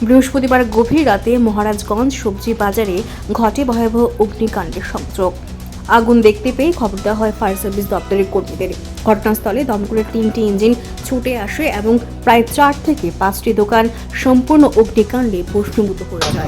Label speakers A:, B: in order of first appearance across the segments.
A: বৃহস্পতিবার গভীর রাতে মহারাজগঞ্জ সবজি বাজারে ঘটে ভয়াবহ অগ্নিকাণ্ডের সংযোগ। আগুন দেখতে পেয়ে খবর দেওয়া হয় ফায়ার সার্ভিস দপ্তরের কর্মীদের। ঘটনাস্থলে দমকলের 3টি ইঞ্জিন ছুটে আসে এবং প্রায় 4 থেকে 5টি দোকান সম্পূর্ণ অগ্নিকাণ্ডে ভস্মীভূত হয়ে যায়।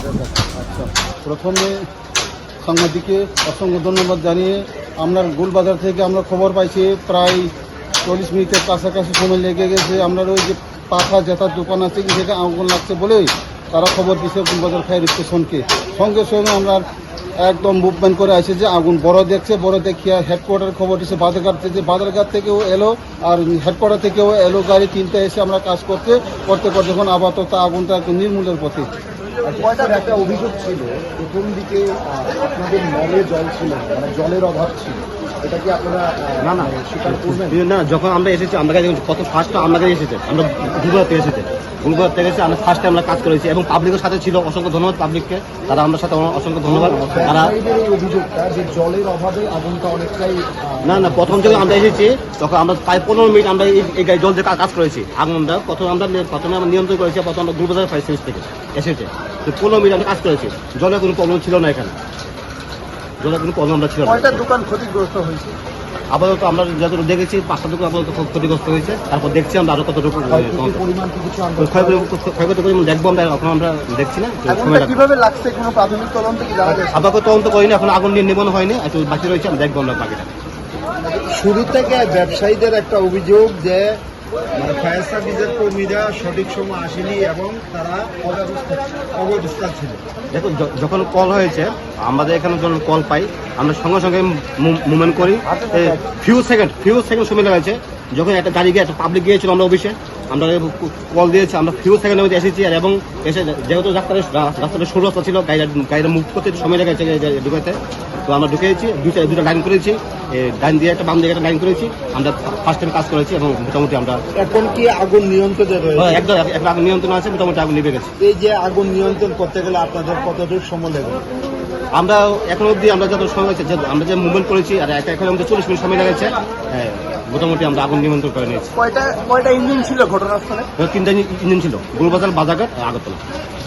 B: প্রথমে সাংবাদিককে অসংখ্য ধন্যবাদ জানিয়ে আমরা গোলবাজার থেকে আমরা খবর পাইছি প্রায় 40 মিনিটের কাছাকাছি সময় লেগে গেছে। আমরা ওই যে পাখা জেতার দোকান আছে কি থেকে আগুন লাগছে বলেই তারা খবর দিচ্ছে গোলবাজার ফায়ার স্টেশনকে। সঙ্গে সঙ্গে আমরা একদম মুভমেন্ট করে আসে যে আগুন বড় দেখছে, বড় দেখিয়া হেডকোয়ার্টার খবর দিচ্ছে বাজারঘাট থেকে, বাজারঘাট থেকেও এলো আর হেডকোয়ার্টার থেকেও এলো গাড়ি 3টা এসে আমরা কাজ করতে যখন আপাতত আগুনটা একটু নির্মূলের পথে।
C: একটা অভিযোগ ছিল প্রথম দিকে আপনাদের নলে জল ছিল, মানে জলের অভাব ছিল, এটা কি আপনারা
D: না
C: স্বীকার করবেন?
D: না, যখন আমরা এসেছি আমরা কত ফার্স্ট আমরা এসেছে, আমরা গুলবাজার থেকে এসেছে, গুলবাজার থেকে এসে আমরা ফার্স্টে আমরা কাজ করেছি এবং পাবলিকের সাথে ছিল। অসংখ্য ধন্যবাদ পাবলিককে, তারা আমাদের সাথে অসংখ্য ধন্যবাদ। তারা
C: এই অভিযোগটা যে জলের অভাবে আগুনটা অনেকটাই
D: না প্রথম যখন আমরা এসেছি তখন আমরা প্রায় 15 মিনিট আমরা এই জল দিয়ে কাজ করেছি। আগুনটা প্রথমে আমরা নিয়ন্ত্রণ করেছি, প্রথম আমরা গুলবাজার ফায়ার সার্ভিস থেকে এসেছে। তো 15 মিনিট আমরা কাজ করেছি, জলের কোনো প্রবলেম ছিল না, এখানে জলের কোনো প্রবলেম আমরা ছিল না।
C: কয়টা দোকান ক্ষতিগ্রস্ত হয়েছে?
D: আপাতত আমরা যতটুকু দেখেছি 5টা দোকান আপাতত খুব ক্ষতিগ্রস্ত হয়েছে। তারপর দেখছি আমরা আরো কতটুকু
C: পরিমাণ কি কিছু
D: ক্ষয়ক্ষতি পরিমাণ দেখবো আমরা, এখন আমরা দেখছি না।
C: আগুনটা কিভাবে লাগছে কোনো প্রাথমিক তদন্ত কি জানা গেছে?
D: আপাতত তদন্ত করিনি, এখন আগুন নির্নিবন হয়নি, একটু বাকি রয়েছে, আমরা দেখবো আমরা বাকিটা।
E: শুরু থেকে ব্যবসায়ীদের একটা অভিযোগ যে মানে ফায়ার সার্ভিসের কর্মীরা সঠিক সময় আসেনি এবং তারা অব্যবস্থা ছিল।
D: দেখো যখন কল হয়েছে, আমাদের এখানে যখন কল পাই আমরা সঙ্গে সঙ্গে মুভমেন্ট করি। ফিউ সেকেন্ড সময় লেগেছে। যখন একটা গাড়ি গিয়ে একটা পাবলিক গিয়েছিল আমরা অফিসে, আমরা কল দিয়েছি, আমরা ফিউ সেকেন্ডের মধ্যে এসেছি। আর এবং এসে যেহেতু রাস্তাটা সরু রাস্তা ছিল, গাড়িটা মুভ করতে সময় লেগেছে ঢুকাতে। তো আমরা ঢুকেছি, দুটা লাইন করেছি, ডাইন দিয়ে একটা বাম দিকে একটা লাইন করেছি। আমরা ফার্স্ট টাইম কাজ করেছি এবং মোটামুটি আমরা
E: এখন কি আগুন নিয়ন্ত্রণে রয়েছে?
D: একদম একটা আগুন নিয়ন্ত্রণ আছে, মোটামুটি আগুন নিভে গেছে।
E: এই যে আগুন নিয়ন্ত্রণ করতে গেলে আপনাদের কতটুকু সময় লাগবে?
D: আমরা এখন অবধি আমরা যত সময় হয়েছে, আমরা যে মুভমেন্ট করেছি আর এখন আমাদের 40 মিনিট সময় লেগেছে। হ্যাঁ, মোটামুটি আমরা আগুন নিয়ন্ত্রণ করে নিয়েছি।
C: কয়টা ইঞ্জিন ছিল ঘটনাস্থলে?
D: 3টা ইঞ্জিন ছিল, গোলবাজার, বাজারঘাট, আগরতলা।